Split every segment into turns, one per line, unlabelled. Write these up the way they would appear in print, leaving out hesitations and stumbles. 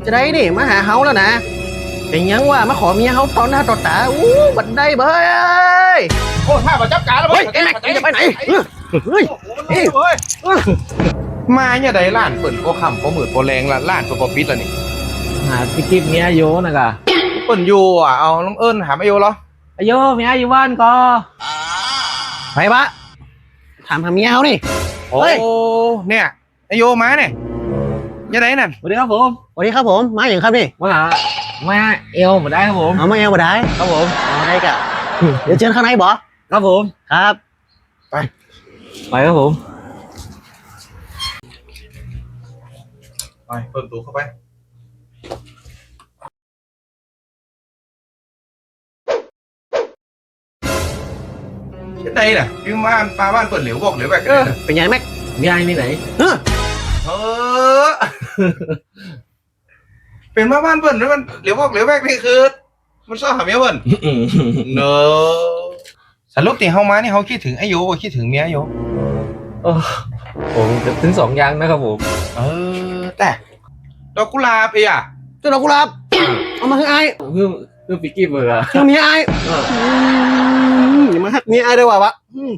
จะได้นี่มาหาเฮาแล้วนะเป็นยังว่ามาขอเมียเฮาตอนหน้าต่อตาบันไดเบย
โอ้ถ้ามาจับการแล้ว
เฮ้ยไอ้แม็กจะไปไหนเฮ้ย
มาเนี่ยได้ล้านเปิ่นโคคำโคหมื่นโคแรงล้านโคปิดแล้วนี่
หาพี่กิ๊บเมียโยนะกะ
เปิ่นอยู่อ่ะเอาน้องเอิญหาไม่อยู่เหรอ
โยเมียอยู่บ้านก็
ไปปะถามหาเมียเฮานี่
โอ้
เฮ้ย
เนี่ยไอโยมาเนี่ยยังไงนั่น
สวัสดีครับผม
สวัสดีครับผมมาอย่างครับนี่
มาเอวมาได้ครับผม
เอามาเอวมาได้
ครับผม
เอาได้กะเดี๋ยวเชิญข้างในบ่
ครับผม
ครับ
ไปครับผม
ไปเปิดตัวเข้าไปยังไงน่ะพี่บ้านปลาบ้านเปิดเหลวบอกเหลวแบบกันเลย
เป็นยังแม็ก
เมียนี่ไหน
เออ
เออเป็นมาบ้านเปิ่นแล้วมันเหลวบอกเหลวแบบนี่คือมันซ่อหาเมียเปิ่น เนอะสรุปที่เฮามานี่เฮาคิดถึงไอ้โยคิดถึงเมียไอ้โย
ผมจะถึง2อย่างนะครับผม
เออแต่ดอกกุหลาบอ่ะ
เจ้าดอกกุหลาบเอามาให้ไอ้
คือพี่กิ๊บเบอร์
เจ้าเมียไอ้อย่ามาหักเมียไอ้ด้วยวะ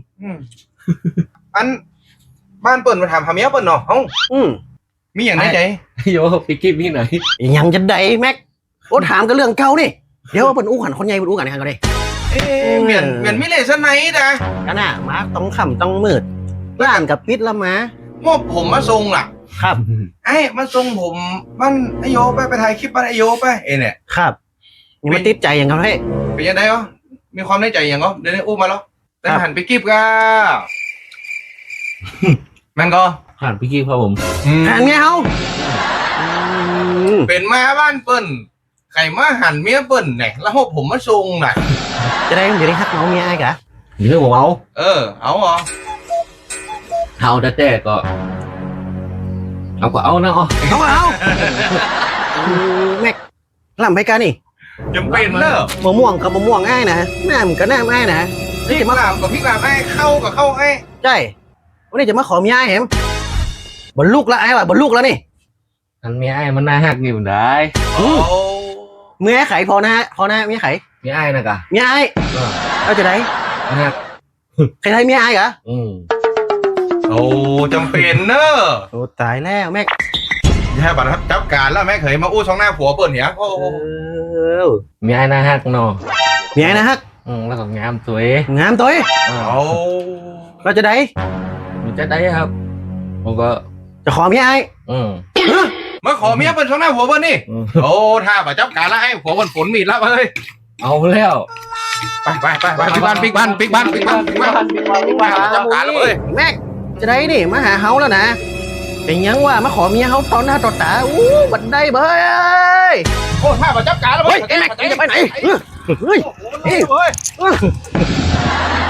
อันบ้านเปิ่นมาถามหาเมียเปิ่นเนาะเอ้ามีอย่างในใจ
โยพี่กิ๊บนี่ไหน
ยังจะได้แม็กโอ้ถามกันเรื่องเก่านี่เดี๋ยวเป็นอู้ขันคนใหญ่เป็นอู้กันกันก็ได้
เหมือนมิเลสไนท์นะ
กันน่ะมาต้องค่ำต้องมืดร้านกับปิดละมา
มอบผมมาทรงล่ะ
ครับ
ไอ้มาทรงผมบ้านไอโยไปถ่ายคลิปบ้านไอโยไปเนี่ย
ครับยังไม่ติดใจอย่างเขาให้
เป็นยังไงวะมีความในใจอย่างก็เดี๋ยวนี้อู้มาแล้วแต่หันไปกิบก็ มันก็
ผ่านพี่กิ๊บครับผม
ทานเมียเขา
เป็นมาบ้านเปิ้นไข่มาหันเมียเปิ้นเนี่ยแล้วผมมาทรงน่ะ
จะได้ไม่ได้หักเมาเมียไอ้กะ
เรื่องผมเอา
เอาเหรอ
เอาแต่ก็เอาก็เอานะอ๋อ
เอาแม็กลำไปกันนี่
จำเป็นเนอะ
มะม่วงกับมะม่วงไอ้นะแม่มกับแม่ไอ้นะ
พริกลาบกับพริกลาบไอ้เข้ากับเข้าไอ้
ใช่วันนี้จะมาขอเมียไอ้เห็มบนลูกละไอ้ว่ะบนลูกแล้วนี่
อันเมียไอ้มันน่าหักอยู่ได้
โอ้
เมียไข่พอนะเมียไข่
เมียไอ้นะกะ
เมียไอ้เอาจะได้
หัก
ใครไทยเมียไอ้กะ
โอ้จำเป็นเนอะ
โอ้ตายแล้วแม็ก
อย่าบัตรครับจับการแล้วแม่เคยมาอู้ช่องหน้าผัวเปิ้นเนี่ยโอ้
เมียไอ้น่าหักเนาะ
เมียนะฮัก
แล้วก็งามสวย
งามตัวเอ้ย
โอ้
เราจะได้
มันจะได้ครับผมก็
จะขอเมียไอ้
มาขอเมียเปิ้นช่องหน้าผัวเปิ้นนี่โอ้ถ้าบัตรจับการแล้วให้ผัวเปิ้นฝนมีดแล้วเฮ้ย
เอาแล้ว
ไปปิกบ้านจับการแล้วเฮ้ย
แม็กจะได้นี่มาหาเฮาแล้วนะเป็นยังว่ามาขอเมียเฮาตอนหน้าต่อตาบันไดเบย
โอ้ถ้าบัตรจับการแล้ว
เฮ้ยไอ้แม็กจะไปไหนเฮ้ย
เฮ้ย